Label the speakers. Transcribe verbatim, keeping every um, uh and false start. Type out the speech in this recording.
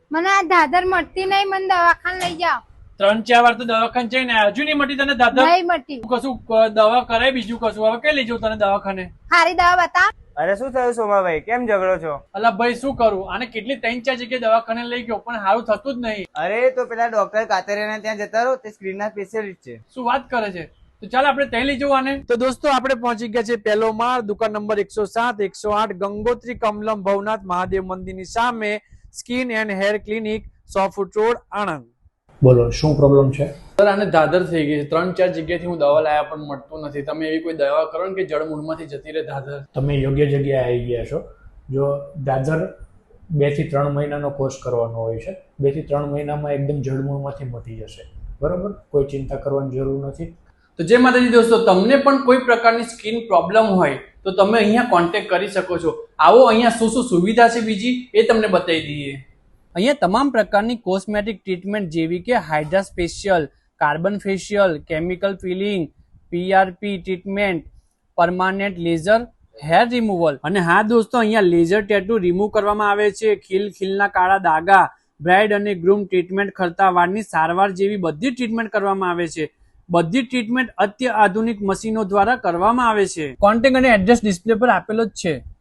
Speaker 1: મને આ દાદર મળતી નહીં, મને દવાખાને લઈ જાઓ.
Speaker 2: ત્રણ ચાર વાર તો દવાખાને જઈને હજુ નહીં મટી તને દાદર?
Speaker 1: નહીં મળતી.
Speaker 2: કશું દવા કરાય બીજું કશું, હવે કઈ લઈ જાઉં તને દવાખાને?
Speaker 1: સારી દવા બતાવ.
Speaker 3: અરે શું થયું સોમાભાઈ, કેમ ઝઘડો છો?
Speaker 2: અલા ભાઈ શું કરું, આને કેટલી ત્રણ ચાર જગ્યાએ દવાખાને લઈ ગયો પણ સારું થતું જ નહીં.
Speaker 3: અરે તો પેલા ડોક્ટર કાતરિયાના ત્યાં જતા રહો, તે સ્ક્રીન ના સ્પેશિયલિસ્ટ છે.
Speaker 2: શું વાત કરે છે? તો ચાલ આપણે ત્યાં લઈ જવું આને. તો દોસ્તો આપણે પહોંચી ગયા છે પહેલો માળ, દુકાન નંબર એકસો સાત એકસો આઠ ગંગોત્રી કમલમ ભવનાથ મહાદેવ મંદિરની સામે, સ્કિન એન્ડ હેર ક્લિનિક, સો ફૂટ રોડ, આણંદ.
Speaker 4: બોલો શું પ્રોબ્લેમ છે?
Speaker 2: સર આને દાદર થઈ ગઈ છે, ત્રણ ચાર જગ્યાએથી હું દવા લાયા પણ મળતું નથી. તમે એવી કોઈ દવા કરો ને કે જળમૂળમાંથી જતી રહે દાદર.
Speaker 4: તમે યોગ્ય જગ્યાએ આવી ગયા છો. જો દાદર બે થી ત્રણ મહિનાનો કોર્સ કરવાનો હોય છે. બે થી ત્રણ મહિનામાં એકદમ જળમૂળમાંથી મટી જશે. બરોબર, કોઈ ચિંતા કરવાની જરૂર નથી.
Speaker 2: તો જય માતાજી દોસ્તો, તમને પણ કોઈ પ્રકારની સ્કિન પ્રોબ્લેમ હોય તો તમે અહીંયા કોન્ટેક્ટ કરી શકો છો. આવો અહીંયા શું શું સુવિધા છે બીજી એ તમને બતાવી દઈએ. અહીંયા તમામ પ્રકારની કોસ્મેટિક ટ્રીટમેન્ટ જેવી કે hydra special, carbon facial, chemical peeling, PRP treatment, permanent laser hair removal, અને હા દોસ્તો અહીંયા લેઝર ટેટુ રિમૂવ કરવામાં આવે છે. ખીલ ખીલના કાળા દાગા, બ્રાઇડ અને ગ્રૂમ ટ્રીટમેન્ટ, ખરતા વાળની સારવાર જેવી બધી ટ્રીટમેન્ટ કરવામાં આવે છે. બધી ટ્રીટમેન્ટ અત્યાધુનિક મશીનો દ્વારા કરવામાં આવે છે. કોન્ટેક્ટ અને એડ્રેસ ડિસ્પ્લે પર આપેલો જ છે.